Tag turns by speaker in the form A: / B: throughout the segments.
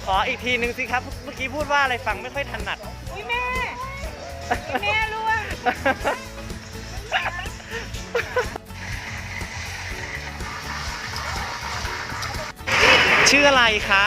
A: ออีกทีนึงสิครับเมื่อกี้พูดว่าอะไรฟังไม่ค่อยถนัด
B: อุ้ยแม่ล่วง
A: ชื่ออะไรคะ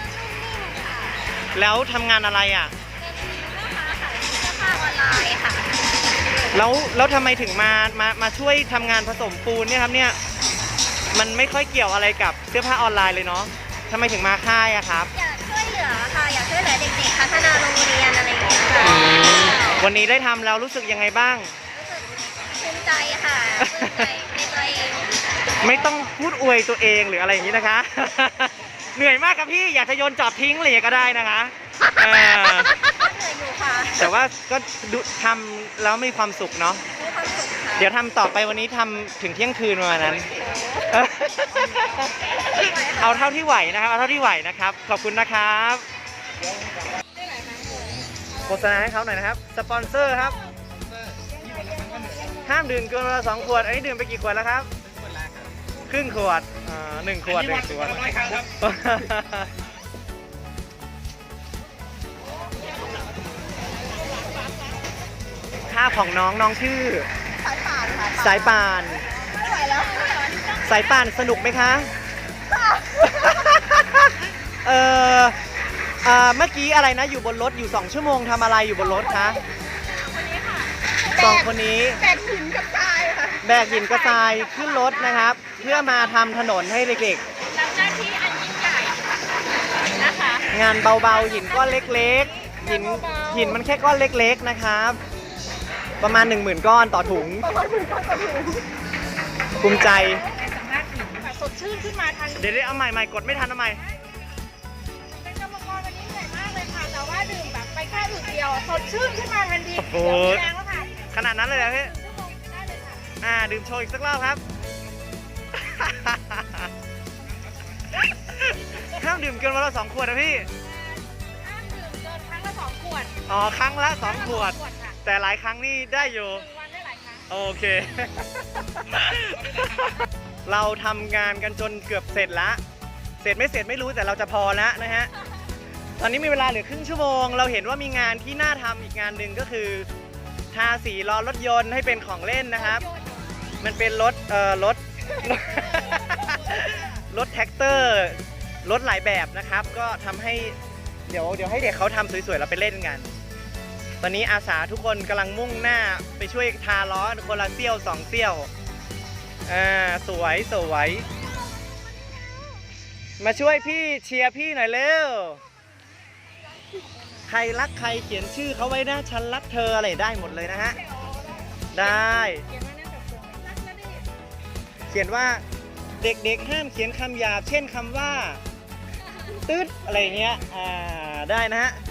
A: แล้วทำงานอะไรอ่ะ
B: ผ้าออนไลน์ค่ะ
A: แล้วทำไมถึงมาช่วยทำงานผสมปูนเนี่ยครับเนี่ยมันไม่ค่อยเกี่ยวอะไรกับเสื้อผ้าออนไลน์เลยเนาะทำไมถึงมาค่ายอะครับ
B: อยากช่วยเหลือค่ะอยากช่วยเหลือเด็กๆพัฒนาโรงเรียนอะไรอย่างเงี้ยค่ะ
A: วันนี้ได้ทำแล้วรู้สึกยังไงบ้าง
B: ภูมิใจค่ะภูมิใจในตัวเอง
A: ไม่ต้องพูดอวยตัวเองหรืออะไรอย่างนี้นะคะ เหนื่อยมากครับพี่อยากจะโยนจอบทิ้งเลยก็ได้นะคะ
B: เหนื่อยอยู่ค่ะ
A: แต่ว่าก็ทำแล้วมีความสุขเนาะ
B: มีความสุขค่ะ
A: เดี๋ยวทำต่อไปวันนี้ทำถึงเที่ยงคืนประมาณนั้นเอาเท่าที่ไหวนะครับเอาเท่าที่ไหวนะครับขอบคุณนะครับโฆษณาให้เขาหน่อยนะครับสปอนเซอร์ครับห้ามดื่มเกินวันละ2 ขวดอันนี้ดื่มไปกี่ขวดแล้วครับครึ่งขวด1 ขวด1 ขวดค่าของน้องชื่อสายป่าน
B: ไม่ไหวแล้ว
A: สายป่านสนุกไหมคะเมื่อกี้อะไรนะอยู่บนรถอยู่2 ชั่วโมงทำอะไรอยู่บนรถคะ2 คนนี้
B: แบกหินกับทรายค่ะ
A: แบกหินกับทรายขึ้นรถนะครับเพื่อมาทำถนนให้เด็ก
B: ๆรับหน้าที่อันยิ่งใหญ่นะคะ
A: งานเบาๆหินก้อนเล็กๆหินมันแค่ก้อนเล็กๆนะครับประมาณ 10,000 ก้อนต่อถุงภูมิใจ
B: สดชื่นขึ้นมาทัน
A: เดี๋ยวเอาใหม่กดไม่ทันเอาใหม่
B: เป็นกรรมกรวันนี้เหนื่อยมากเลยค่ะแต่ว่าดื่มแบบไปแค่อึกเดียวสดชื่นขึ้นมาทันที
A: โอ้โหขนาดนั้นเลยเหรอพี่ดื่มโชว์อีกสักรอบครับห้ามดื่มเกินวันละ2 ขวดนะพี่
B: ห้ามดื่มเกินครั้งละ2 ขวด
A: อ๋อครั้งละ2 ขวดแต่หลายครั้งนี่ได้อยู่
B: วันได้หลายครั้ง
A: โอเคเราทำงานกันจนเกือบเสร็จละเสร็จไม่เสร็จไม่รู้แต่เราจะพอแล้วนะฮะตอนนี้มีเวลาเหลือครึ่งชั่วโมงเราเห็นว่ามีงานที่น่าทำอีกงานหนึ่งก็คือทาสีล้อรถยนต์ให้เป็นของเล่นนะครับมันเป็นรถแท็กเตอร์รถหลายแบบนะครับก็ทำให้เดี๋ยวให้เด็กเขาทำสวยๆเราไปเล่นกันตอนนี้อาสาทุกคนกำลังมุ่งหน้าไปช่วยทาล้อคนละเสี้ยว2 เสี้ยวสวยมาช่วยพี่เชียร์พี่หน่อยเร็วใครรักใครเขียนชื่อเขาไว้นะฉันรักเธออะไรได้หมดเลยนะฮะได้เขียนว่าเด็กๆห้ามเขียนคำหยาบเช่นคำว่าตึ๊ดอะไรเงี้ยได้นะฮะ